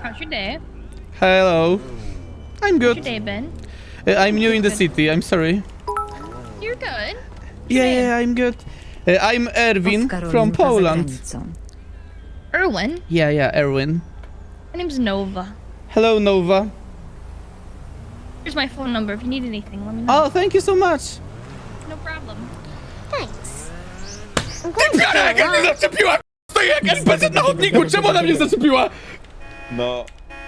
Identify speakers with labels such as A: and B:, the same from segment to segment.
A: How's your day?
B: Hello. I'm
A: How's your
B: good.
A: day been?
B: I'm new in the city. I'm sorry.
A: You're good.
B: Yeah, I'm good. I'm Erwin from Poland.
A: Erwin?
B: Yeah, Erwin.
A: My name's Nova.
B: Hello, Nova.
A: Here's my phone number. If you need anything, let me know.
B: Oh, thank you so much.
A: No problem.
C: Thanks. I'm
B: Ty
C: glad you
B: piara, jak
C: came
B: mnie
C: along.
B: zaczepiła! Stoi jak NPC na chodniku, czemu ona mnie zaczepiła?
D: No.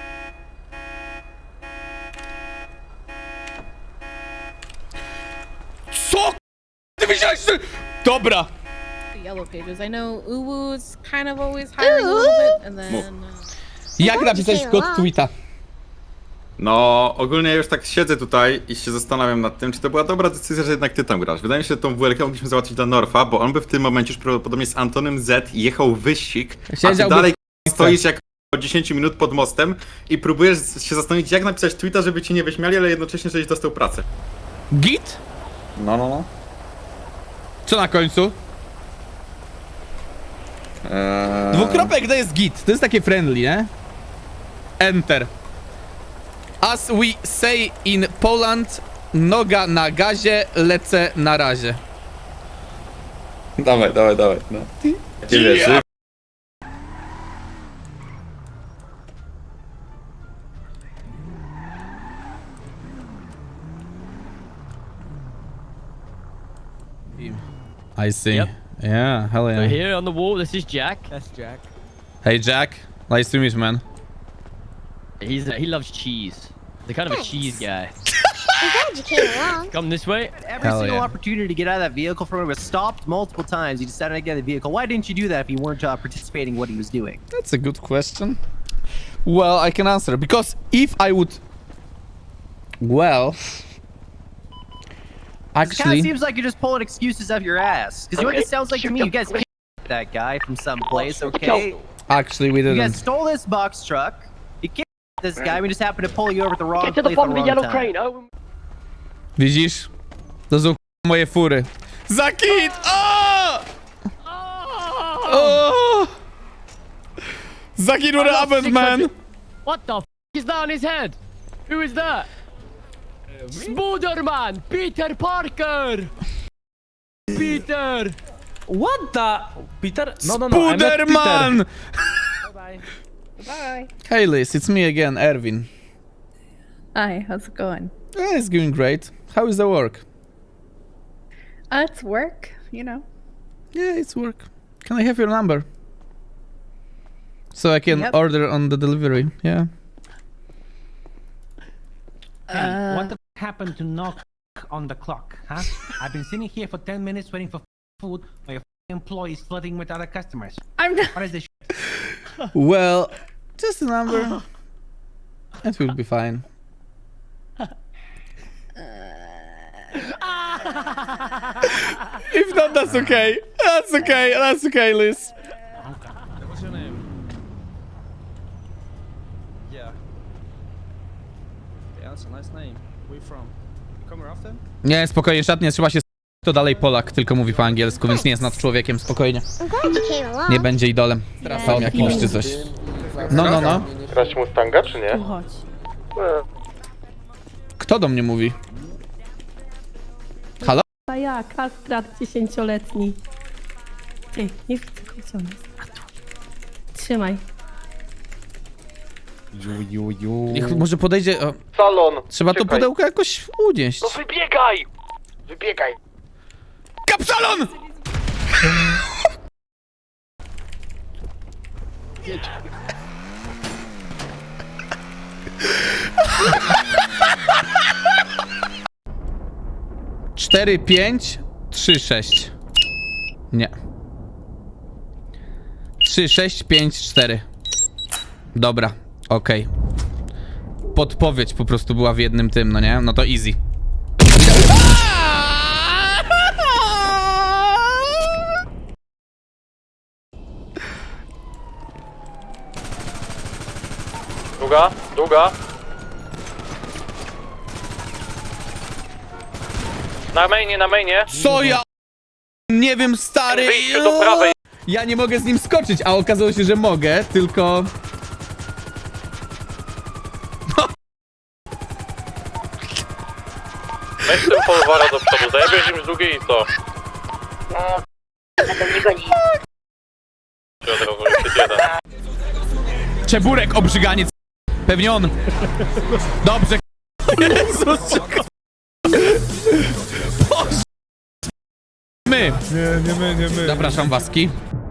B: Co? Ty myślałeś, że... Dobra.
E: The Yellow Pages. I know Uwu's kind of always hiring a little bit, and then
B: Jak napisać kod tweeta?
D: No, ogólnie już tak siedzę tutaj i się zastanawiam nad tym, czy to była dobra decyzja, że jednak ty tam grasz. Wydaje mi się, że tą WLK mogliśmy załatwić dla Norfa, bo on by w tym momencie już prawdopodobnie z Antonem Z jechał wyścig, a ty
B: Siedziałby
D: dalej
B: w
D: stoisz jak o 10 minut pod mostem i próbujesz się zastanowić, jak napisać tweeta, żeby cię nie wyśmiali, ale jednocześnie, żebyś dostał pracę.
B: Git?
D: No.
B: Co na końcu? Dwukropek to jest git. To jest takie friendly, nie? Enter. As we say in Poland, noga na gazie, lecę na razie.
D: Dawaj, no. Nie wierzy.
B: I see.
F: Yep.
B: Yeah, hell
F: So
B: yeah.
F: here on the wall, this is Jack.
G: That's Jack.
B: Hey Jack, nice to meet you, man.
F: He loves cheese. The kind of a cheese guy.
C: I'm glad you came along.
F: Come this way.
G: Every
B: Hell
G: single
B: yeah.
G: opportunity to get out of that vehicle from him was stopped multiple times. He decided to get out of the vehicle. Why didn't you do that if you weren't participating in what he was doing?
B: That's a good question. Well, I can answer because if I would, well,
G: It kind
B: actually,
G: of seems like you're just pulling excuses out of your ass. Because you know what it sounds like to me? You guys kicked that guy from someplace, okay?
B: we
G: You guys
B: didn't.
G: stole this box truck. You kicked this guy. We just happened to pull you over at the wrong place at the wrong time.
F: Owen.
B: Widzisz? To są moje fury. Zakit! O! O! Zakit, what happened, man?
F: What the f is that on his head? Who is that? Spooderman! Peter Parker! Peter!
H: What the? Peter? No, I met Peter.
B: Puderman!
E: Bye. Bye.
B: Hey Liz, it's me again, Erwin.
I: Hi, how's it going?
B: It's going great. How is the work?
I: It's work, you know.
B: Yeah, it's work. Can I have your number? So I can
I: Yep.
B: order on the delivery, yeah.
H: Hey, what the happened to knock on the clock, huh? I've been sitting here for 10 minutes waiting for food while your employees flirting with other customers.
I: I'm not.
H: What is this?
B: Well, just a number. It will be fine. If not, that's okay. That's okay. That's okay, Liz.
G: What's your name? Yeah. Yeah, that's a nice name. Where you from? You come here often?
B: Nie, spokojnie, szatnie, trzeba się to dalej Polak, tylko mówi po angielsku, więc nie jest nad człowiekiem, spokojnie.
C: I'm glad you came along.
B: Nie będzie idolem. Trafał jakimś czy coś. No.
D: Grać Mustanga, czy nie?
I: Chodź.
B: Kto do mnie mówi? Halo?
I: A ja, kastrat 10-letni. Ty, nie widzę go, gdzie on jest. A tu. Trzymaj.
B: Niech może podejdzie... O,
D: Salon!
B: trzeba to pudełko jakoś unieść.
D: Wybiegaj! Wybiegaj!
B: Kapsalon! Cztery, 5, 3, 6. Nie. 3, 6, 5, 4. Dobra, okej. Podpowiedź po prostu była w jednym tym, no nie? No to easy.
D: Długa. Na mainie.
B: Co ja... Nie wiem, stary...
D: Wyjście do prawej.
B: Ja nie mogę z nim skoczyć, a okazało się, że mogę, tylko...
J: Weź ten polwara do przodu, zajebiesz im z drugiej i co?
B: Czeburek, obrzyganiec. Pewnie on. Dobrze. Jezus. Boże. My. Nie my. Zapraszam, Waski.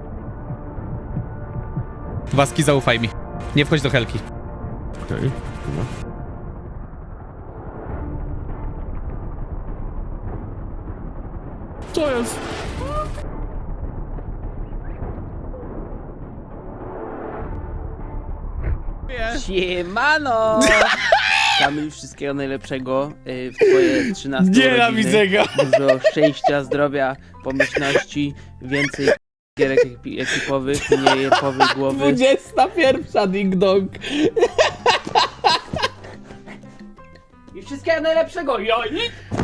B: Waski, zaufaj mi. Nie wchodź do Helki.
J: Okej.
B: Co jest?
K: Siemano! Kamil, wszystkiego najlepszego w twoje 13
B: Nienawidzę go.
K: Dużo szczęścia, zdrowia, pomyślności, więcej gierek ekipowych, mniej jepowej głowy.
B: 21. Ding dong.
K: I wszystkiego najlepszego, joj!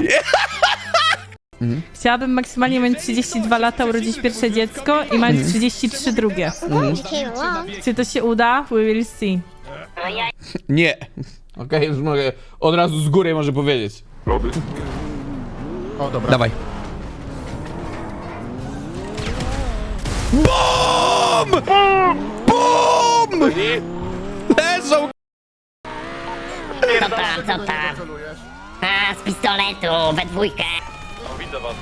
I: Chciałabym maksymalnie mieć 32 lata, urodzić pierwsze dziecko i mać 33 drugie.
C: I'm glad you came along.
I: Czy to się uda? We will see.
B: Nie. Okej, już mogę od razu z góry może powiedzieć.
J: O, dobra.
B: Dawaj. BOOM! BOOM! Leżą!
C: Co tam? A, z pistoletu, we dwójkę.
J: O, widzę was.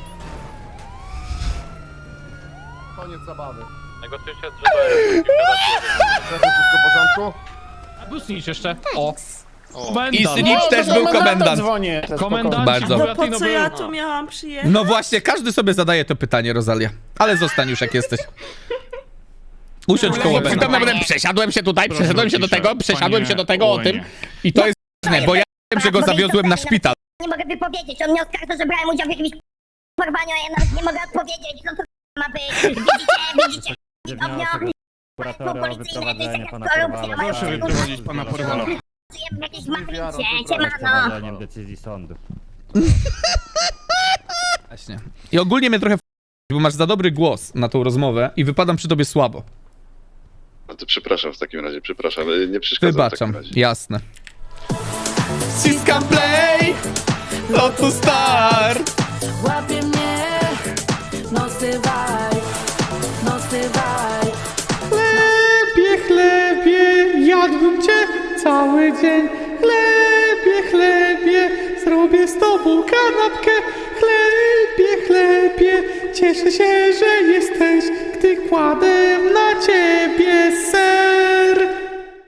L: Koniec zabawy.
J: Negocjujcie, że to jest...
L: Wszystko w porządku?
J: Busnicz jeszcze. O.
B: I Snitch też był komendant.
J: Komendant.
B: Bardzo.
I: No po co ja tu miałam przyjechać?
B: No właśnie, każdy sobie zadaje to pytanie, Rosalia. Ale zostań już jak jesteś. Usiądź koło będę. Przesiadłem się tutaj, przesiadłem się do tego, przesiadłem się do tego o tym. I to jest ważne, bo ja wiem, że go zawiozłem na szpital.
C: Nie mogę wypowiedzieć, on mnie oskarża, że brałem udział w jakimś porwaniu, a ja nawet nie mogę odpowiedzieć, co to ma być. Widzicie? Policyjne, to jest jakaś korupcja, mają
J: wyprowadzić pana porwala.
C: w jakiejś matrycie, siemano.
L: decyzji sądu.
B: Właśnie. I ogólnie mnie trochę bo masz za dobry głos na tą rozmowę i wypadam przy tobie słabo.
L: No to przepraszam w takim razie, przepraszam, nie przeszkadzam w
B: Wybaczam,
L: takim razie.
B: jasne. Ściskam play, Lotus Star.
I: Łapie mnie, no stywaj, no stywaj.
B: Chlebie, jadłbym cię cały dzień. Chlebie, zrobię z tobą kanapkę. Chlebie, cieszę się, że jesteś, gdy kładę na ciebie